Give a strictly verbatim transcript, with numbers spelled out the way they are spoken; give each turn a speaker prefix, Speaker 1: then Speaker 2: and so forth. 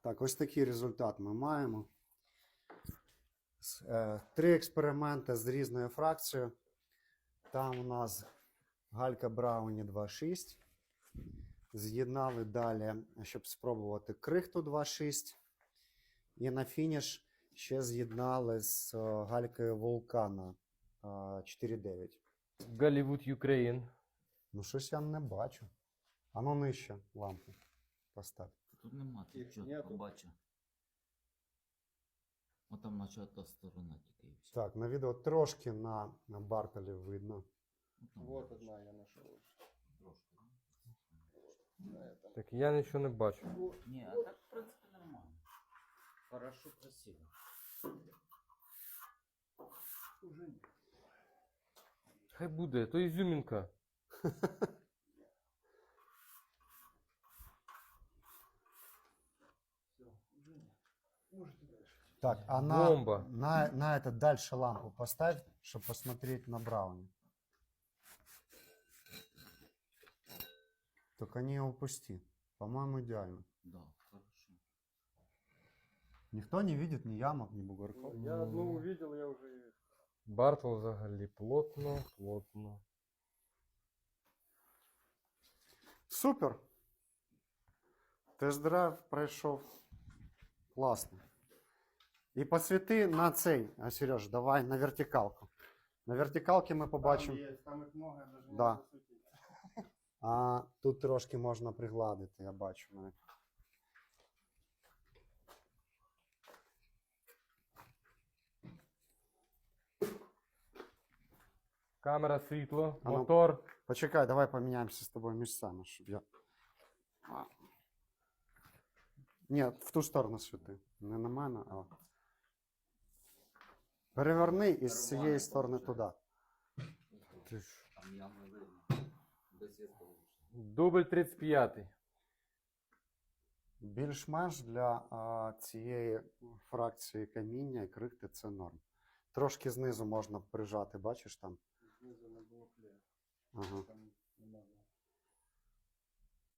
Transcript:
Speaker 1: Так, ось такий результат ми маємо. С- е, Три експерименти з різною фракцією. Там у нас галька Брауні два шість. З'єднали далі, щоб спробувати крихту два шість. І на фініш ще з'єднали з е, галькою вулкана е, чотири дев'ять.
Speaker 2: Голлівуд Україн.
Speaker 1: Ну, щось я не бачу. А ну нижче лампу постав.
Speaker 3: Тут нема, тут
Speaker 4: Їх
Speaker 3: чітко
Speaker 4: нету.
Speaker 3: бачу. О, там наче та сторона тільки і все.
Speaker 1: Так, на відео трошки на, на Бартолі видно.
Speaker 3: Ну, там
Speaker 4: Вот
Speaker 3: бачиш.
Speaker 4: одна я нашел.
Speaker 3: Трошки.
Speaker 4: На этом.
Speaker 2: Так я нічого не бачу.
Speaker 3: Ні, а так в принципі нормально. Хорошо, красиво.
Speaker 4: Уже нет.
Speaker 2: Хай буде, то ізюмінка.
Speaker 4: Все, уже нет. Можете дальше.
Speaker 1: Так, а на,
Speaker 2: Бомба.
Speaker 1: на, на это дальше лампу поставь, чтобы посмотреть на Брауни. Только не упусти. По-моему, идеально.
Speaker 3: Да, хорошо.
Speaker 1: Никто не видит ни ямок, ни бугорков.
Speaker 4: Я одну увидел, я уже...
Speaker 2: Бартл взагалі плотно, плотно.
Speaker 1: Супер! Тест-драйв пройшов класно. І посвіти на цей, а, Сереж, давай на вертикалку. На вертикалці ми побачимо.
Speaker 4: Там, есть, там их много, я даже не
Speaker 1: Да.
Speaker 4: могу засветить.
Speaker 1: А тут трошки можна пригладити, я бачу навіть.
Speaker 2: Камера, світло,
Speaker 1: А ну.
Speaker 2: мотор.
Speaker 1: Почекай, давай поміняємося з тобою місцями, щоб я. А. Ні, в ту сторону світи. Не на мене, а. Переверни із цієї сторони туди.
Speaker 2: Ти ж.
Speaker 3: Там явно видно. Без зеркала.
Speaker 2: Дубль тридцять п'ятий.
Speaker 1: Більш-менш для а, цієї фракції каміння і крихти це норм. Трошки знизу можна прижати, бачиш там?
Speaker 4: Снизу на букле.
Speaker 1: Ага.
Speaker 4: Там